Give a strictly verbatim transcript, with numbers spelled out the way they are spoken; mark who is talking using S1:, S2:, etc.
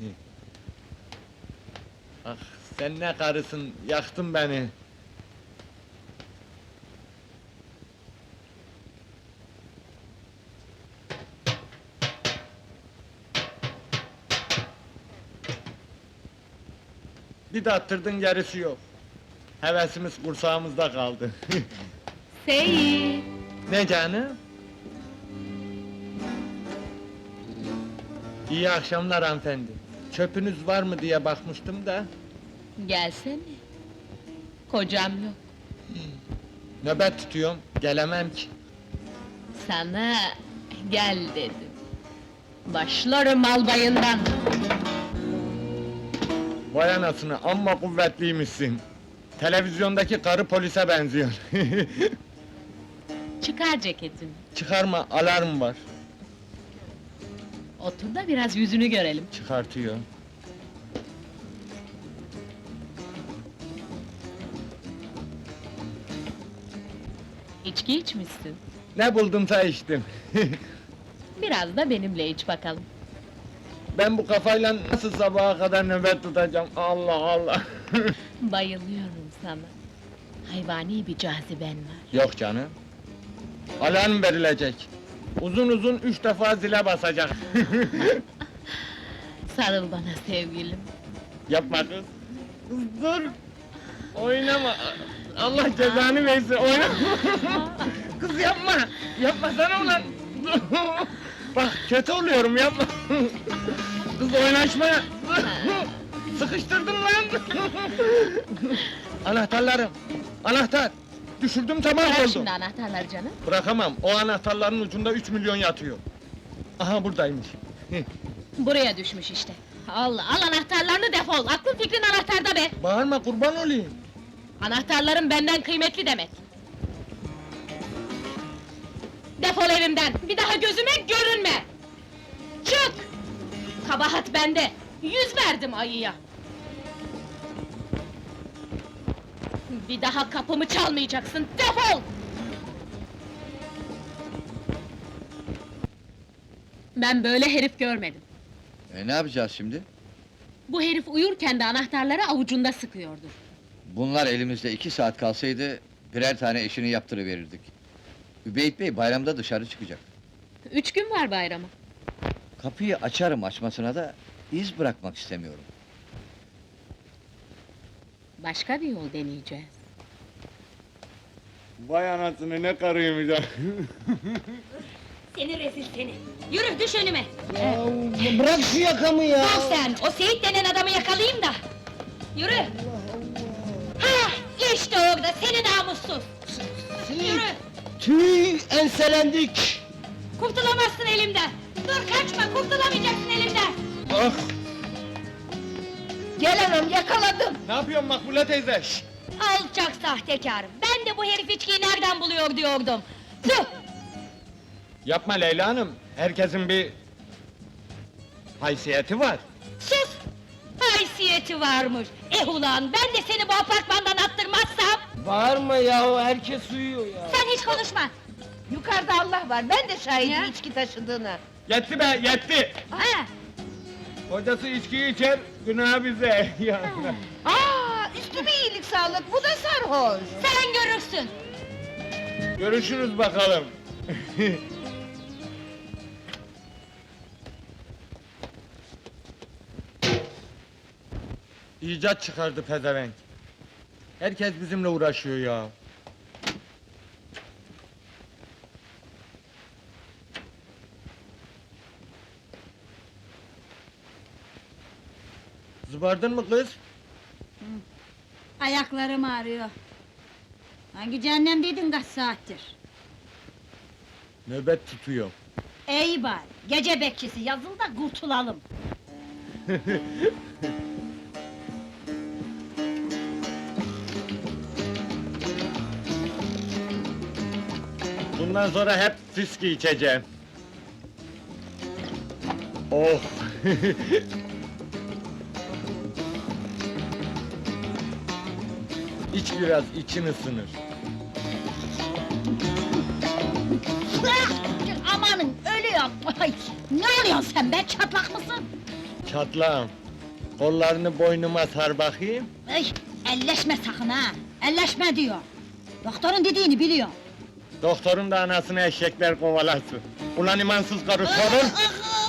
S1: Ah, sen ne karısın, yaktın beni! Bir de attırdın, gerisi yok. Hevesimiz kursağımızda kaldı.
S2: Seyit!
S1: Ne canım? İyi akşamlar hanımefendi. Çöpünüz var mı diye bakmıştım da...
S2: Gelsene! Kocam yok.
S1: Nöbet tutuyorum, gelemem ki.
S2: Sana gel dedim. Başlarım albayından!
S1: Vay anasını, amma kuvvetliymişsin. Televizyondaki karı polise benziyor.
S2: Çıkar ceketini.
S1: Çıkarma, alarm var.
S2: Otur da biraz yüzünü görelim.
S1: Çıkartıyor.
S2: İçki içmişsin.
S1: Ne buldumsa içtim.
S2: Biraz da benimle iç bakalım.
S1: Ben bu kafayla nasıl sabaha kadar nöbet tutacağım? Allah Allah!
S2: Bayılıyorum sana. Hayvani bir caziben var.
S1: Yok canım. Alarm verilecek. Uzun uzun üç defa zile basacak.
S2: Sarıl bana sevgilim.
S1: Yapma kız! Kız dur! Oynama! Allah cezanı versin, oynama! Kız yapma! Yapmasana ulan! Bak, kötü oluyorum, yapma! Kız oynaşma! Sıkıştırdın lan! Anahtarlarım! Anahtar! Düşürdüm, tamam
S2: Bırak
S1: oldu!
S2: şimdi anahtarları canım.
S1: Bırakamam, o anahtarların ucunda üç milyon yatıyor! Aha, buradaymış!
S2: Buraya düşmüş işte. Allah, al anahtarlarını defol! Aklın fikrin anahtarda be!
S1: Bağırma, kurban olayım!
S2: Anahtarların benden kıymetli demek! Defol evimden! Bir daha gözüme görünme! Çık! Kabahat bende! Yüz verdim ayıya! Bir daha kapımı çalmayacaksın, defol! Ben böyle herif görmedim.
S3: E ne yapacağız şimdi?
S2: Bu herif uyurken de anahtarları avucunda sıkıyordur.
S3: Bunlar elimizde iki saat kalsaydı, birer tane işini yaptırıverirdik. Übeyt Bey bayramda dışarı çıkacak.
S2: Üç gün var bayrama.
S3: Kapıyı açarım açmasına da, iz bırakmak istemiyorum.
S2: Başka bir yol deneyeceğiz.
S1: Vay anasını, ne karıymış ha!
S4: Seni rezil seni! Yürü, düş önüme!
S5: Ya bırak şu yakamı ya!
S4: Dur sen, o Seyit denen adamı yakalayayım da! Yürü! Ha, işte orada, seni namussuz! Yürü!
S5: Tüy, enselendik!
S4: Kurtulamazsın elimden! Dur kaçma, kurtulamayacaksın elimden!
S1: Ah!
S4: Gel anam, yakaladım!
S1: Ne yapıyorsun Makbule teyze? Şşt!
S4: Alçak sahtekâr! Ben de bu herif içkiyi nereden buluyor diyordum! Tüh!
S1: Yapma Leyla Hanım, herkesin bir... haysiyeti var.
S4: Sus! Haysiyeti varmış! Eh ulan, ben de seni bu apartmandan attırmazsam...
S5: Bağırma yahu, herkes uyuyor ya!
S4: Sen hiç konuşma!
S6: Yukarıda Allah var, ben de şahidim
S4: Ya.
S6: içki taşıdığına.
S1: Yetti be, yetti!
S4: Ha!
S1: Kocası içkiyi içer, günah bize! Ya.
S6: Aa, üstüme iyilik sağlık, bu da sarhoş!
S4: Sen görürsün!
S1: Görüşürüz bakalım! İcat çıkardı pezevenk! Herkes bizimle uğraşıyor ya! Zıbardın mı kız?
S7: Ayaklarım ağrıyor. Hangi cehennemdeydin kaç saattir?
S1: Nöbet tutuyor.
S7: İyi bari, gece bekçisi yazıl da kurtulalım.
S1: Bundan sonra hep fiski içeceğim. Oh! İç biraz, için ısınır.
S7: Ah! Amanın, ölüyorum! Ay, ne oluyorsun sen be, çatlak mısın?
S1: Çatlağım. Kollarını boynuma sar bakayım.
S7: Ay, elleşme sakın ha! Elleşme diyor! Doktorun dediğini biliyor.
S1: Doktorun da anasını eşekler kovalasın. Ulan imansız karı sorun.